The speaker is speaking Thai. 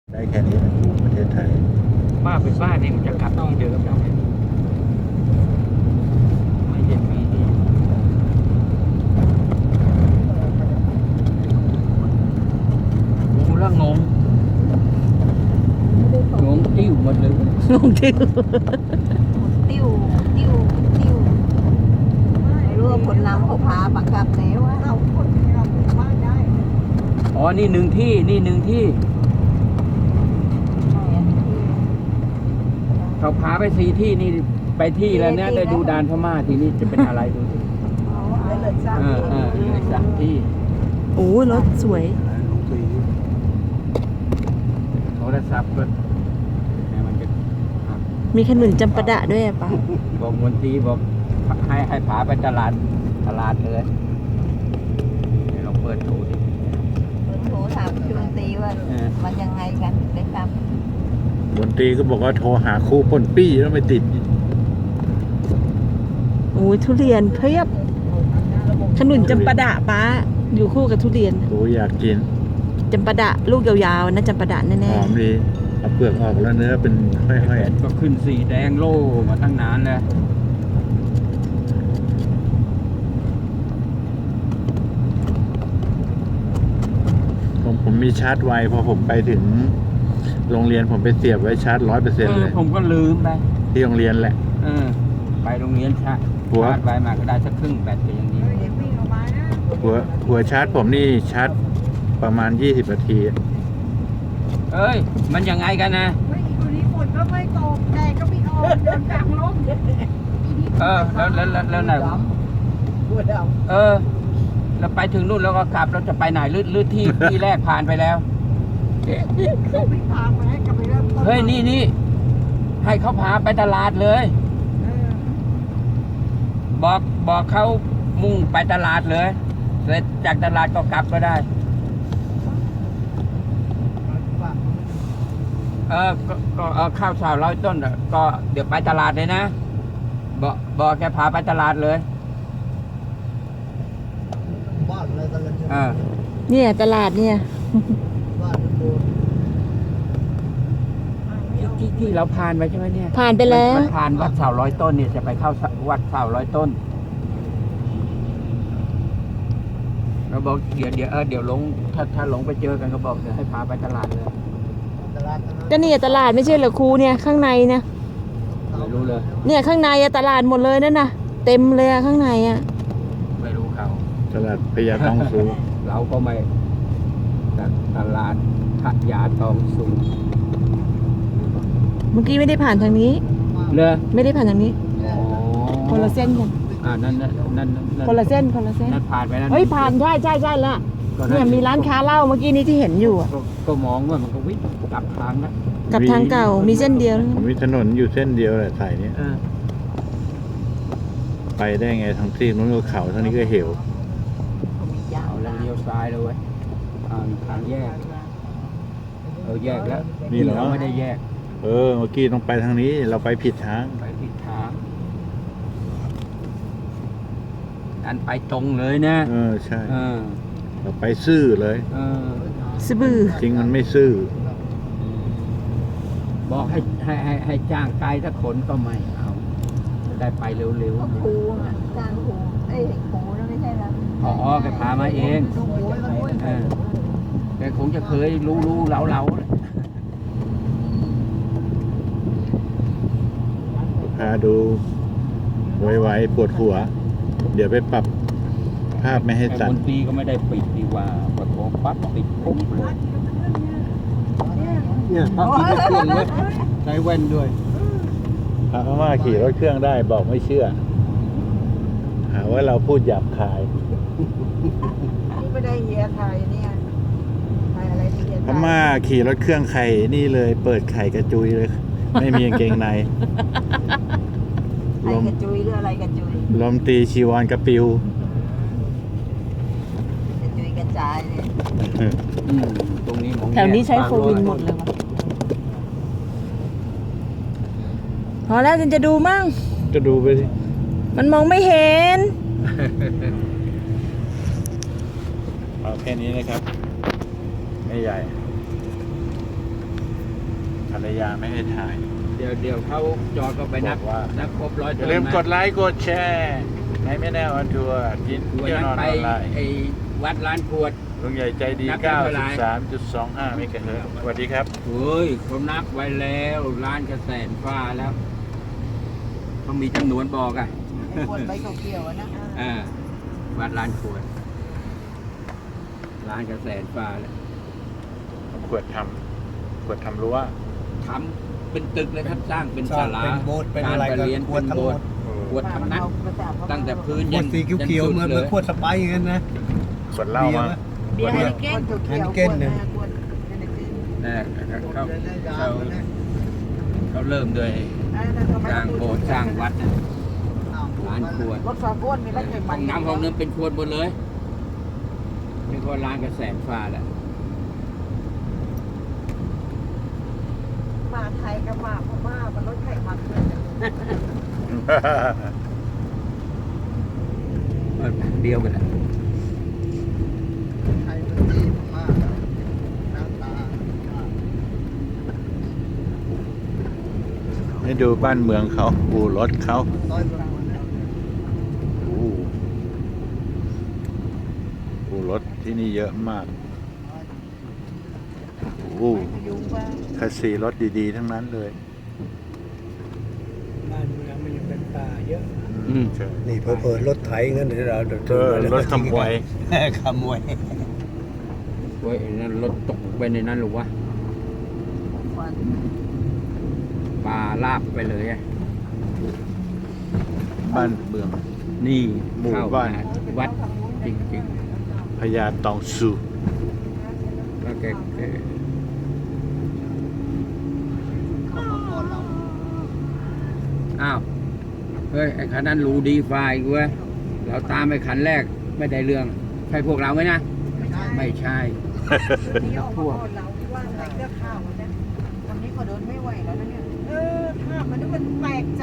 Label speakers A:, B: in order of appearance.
A: ได้แค่นี้นะประเทศไทย
B: บ้าเป็นบ้าเองมันจะกลับต้องเจอกับเราไม่เห็นมีที่กูแล้วงงติ้วหมดเลย
C: งงติ้ว
D: ติ้วไม่รู้ว่าคนนำเขาพาบังคับแล้วว่าเราคนที่เราปลูกบ้านได้
B: อ๋อนี่หนึ่งที่เขาพาไป4 ที่นี่ไปที่แล้วเนี่ยได้ดูดานพม่าทีนี้จะเป็นอะไรดูสิ
D: เลยเลยสร้าง
B: เลย3 ที่
C: โอ้รถสวย
A: ลุงตี
B: โทรศัพท์ก็มันจะ
C: มีขนุนจำปาดะด้วยอะปะ
B: บอกมนตรีบอกให้ผาไปตลาดเลยเดี๋ยวเราเปิดดูดิ
D: โทรถามชวนตีว่ามันยังไงกันเลยครับ
A: บนตรีก็บอกว่าโทรหาครูป่นปี้แล้วไม่ติด
C: โอ้ยทุเรียนเพียบขนุนจำปาดะป้าอยู่คู่กับทุเรียน
A: โอ้อยากกิน
C: จำปาดะลูกยาวๆนะจำปาดะ
A: ห
C: แน่
A: อมดีเอาเปลือกออกแล้วเนื้อเป็นห้อย
B: แดดก็ขึ้นสีแดงโล่มาตั้งนานแล้ว
A: ๆผมมีชาร์จไวพอผมไปถึงโรงเรียนผมไปเสียบไว้ชาร์จ100%เลย
B: ผมก็ลืมไป
A: ที่โรงเรียนแหละ
B: ไปโรงเรียนชา
A: หัว
B: ร์จไว้มาก็ได้สักครึ่งแบตก็ยังดี
A: หัวชาร์จผมนี่ชาร์จประมาณ20 นาที
B: เอ้ยมันยังไงกันนะ
D: ไม่อีกคนนี้ฝนก็ไม่ตกแดดก็ไม่ออกเดินกลางร่ม
B: แล้วไหนเราไปถึงนู่นแล้วก็กลับเราจะไปไหนลืดที่แรกผ่านไปแล้ว
D: ไม่พาไปให้กลับไปเริ่มต้น
B: เฮ้ยนี่ให้เขาพาไปตลาดเลย บอกเขามุ่งไปตลาดเลยเสร็จจากตลาดก็กลับก็ได้ก็ข้าวสาว100 ต้นก็เดี๋ยวไปตลาดเลยนะบอกแกพาไปตลาดเลย
D: บ้านอะไรกันเลย
C: เนี่ยตลาดเนี่ย
D: บ้านโบน
B: ที่เราผ่านไปใช่ไหมเนี่ย
C: ผ่านไปแล้ว
B: มันผ่านวัดเสา100 ต้นเนี่ยจะไปเข้าวัดเสา100 ต้นเราบอกเดี๋ยวลงถ้าลงไปเจอกันก็บอกเดี๋ยวให้พาไปตลาดเลย
D: ตลาดนั้น
C: ก็เนี่ยตลาดไม่ใช่เหรอครูเนี่ยข้างในนะ
B: ไม่รู้เลย
C: เนี่ยข้างในอะตลาดหมดเลยนั่นน่ะเต็มเลยอะข้างในอะ
B: ไม่รู้เขา
A: ตลาดพญาทองสูง
B: เราก็ไม่ตลาดทัดยาทองสูง
C: เมื่อกี้ไม่ได้ผ่านทางนี้
B: เลย
C: ไม่ได้ผ่านทางนี้
B: อ๋อ
C: คนละเส้นกัน
B: นั่น
C: คนละเส้นคนละเส้น
B: นั่นผ่านไปแล้ว
C: เฮ้ยผ่านใช่ละ
B: ก็
C: เนี่ยมีร้านค้าเหล้าเมื่อกี้นี้ที่เห็นอยู่อะ
B: ก็มองว่ามันก็วิ่งกลับทางนะ
C: กับทางเก่ามีเส้นเดียวนะ
A: มีถนนอยู่เส้นเดียวแหละสายนี้ไปได้ไงทางที่นู้นก็เขาทางนี้ก็เหว
B: เอาแล้วเลี้ยวซ้ายเลยเว้ยทางแยกแยกแล้วเราไม่ได้แยก
A: เมื่อกี้ต้องไปทางนี้เราไปผิดทาง
B: ไปผิดทางอันไปตรงเลยนะ
A: ใช่เราไปซื่อเลย
C: สะบือ
A: จริงมันไม่ซื่อ
B: บอกให้จ้างไกด์สักคนก็ไม่เอาจะได้ไปเร็ว
D: ครูอ่ะจางครูครูนั่นไม่ใช่แล้ว
B: ๆพอแกพามาเองแกคงจะเคยรู้เราเลย
A: พาดูไวๆปวดหัว เดี๋ยวไปปรับภาพไม่ให้
B: แต่
A: ตัด
B: บนตรีก็ไม่ได้ปิดดีกว่าพอโทรปั๊บปิดปุ๊บเลยเนี่ยพักที่เครื่องเลยใช้แว่นด้วย
A: พระว่าขี่รถเครื่องได้บอกไม่เชื่อ หาว่าเราพูดหยาบคาย
D: ไม่ได้เฮียไทยเนี่ยไทยอะไรที่เฮีย
A: พม่าขี่รถเครื่องไข่นี่เลย เปิดไข่กระจุยเลย ไม่มีกางเกงใน
D: ไทยกระจุยหรืออะไรกระจุย
A: ลมตีชีวรกระปิว
D: กระจุยกระจายเลย
B: ตรงนี้มอง
C: แถวนี้ใช้โฟวินหมดเลยวะพอแล้วจะดูมั่ง
A: ก็ดูไปสิ
C: มันมองไม่เห็น
A: เอาแค่นี้นะครับ ไม่ใหญ่ภรรยาไม่ให้ถ่าย
B: เดี๋ยวเขาจอดก็ไปนับ
A: บอกว่า
B: นับครบ100
A: อย่าลืมกดไลค์กดแชร์ในไม่แน่ออนทัวร์กิน
B: วัน
A: เที่ยว
B: นั้น
A: นอน
B: ไป
A: ออนไลน์
B: ไอ้วัดร้านขวด
A: ลุงใหญ่ใจดี
B: นับได้เท่าไหร่
A: 93.25 เมกะเฮิรตซ์สวัสดีครับ
B: เฮ้ยเขานับไว้แล้วร้านกระแสนฟ้าแล้วเขามีจำนวนบอกอ่ะ
D: ไอ้คนใบเขียวๆอะนะ
B: วัดร้านขวดร้านกระแสนฟ้าแล้ว
A: ขวดทำรั้ว
B: ทำเป็นตึกเลยครับสร้างเป็น
E: สร้า
B: ศาง ลา
E: เป็นโบสถ์เป็น
B: กา
E: อะไร
B: รประ
E: ก็
B: เรียน
E: ขว
B: เป็
E: ด
B: น
E: ทั้ง
B: โบ
E: หม
B: ส
E: ด
B: ถ์ขวดทั้งนั้น ตั้งแต่พื้น
E: ขวดสีเขียวๆเหมือนขวดสไปร์อย่างนั้นนะ
A: ขวดเหล้ามา
C: เบียร์ไฮนิเก้น
D: คนเขียวๆขวดนะขวดเฮนเนเก้น
B: นั่นแหละเขาเริ่มด้วยสร้างโบสถ์สร้างวัดนะร้านขวด
D: รถฟ้าก้นมีรถไข
B: ห้
D: มั
B: อน งน้ำห้องนึงเป็นขวดหมดเลยนี่ก็ร้านกระแสนฟ้าแหละ
D: มาไทยกับมาพม่ามันรถไขมันเลย
B: เดียวกันแหละ
E: ไทยมันดีมากหน้าตา
A: ให้ดูบ้านเมืองเขาอู่รถเขา
E: ต้อยประมาณนั้น
A: อู่รถที่นี่เยอะมากอู้
D: ยุงว่า
A: คัสซีรถดีๆ ทั้งนั้นเลย
E: บ้านเมืองมันยังเป็นป่าเยอะ
A: ใช่
E: นี่เผลอๆรถไถเงินเดี๋ยวเราเดี๋ยว
A: รถขโมย
E: ขโมย
B: เว้ยไอ้นั่นรถตกไปในนั้นหรือวะ
D: ควัน
B: ปลาลากไปเลยอะ
A: บ้านเมือง
B: นี่
A: หมู่
B: เข้า
A: บ้าน
B: มาวัดจริง
A: พญาตองซู
B: ๆแล้วแกอ้าวเฮ้ยไอ้คันนั้นรู้ดีไฟกูเว้ยเราตามไปคันแรกไม่ได้เรื่องใช่พวกเราไหมนะไม่ใช่
D: นี่ออกมาก่อนเราที่ว่าใส่เสื้อขาวเนี่ยวันนี้เขาเดินไม่ไหวแล้วนะเนี่ยถ้ามันนี่มันแปลก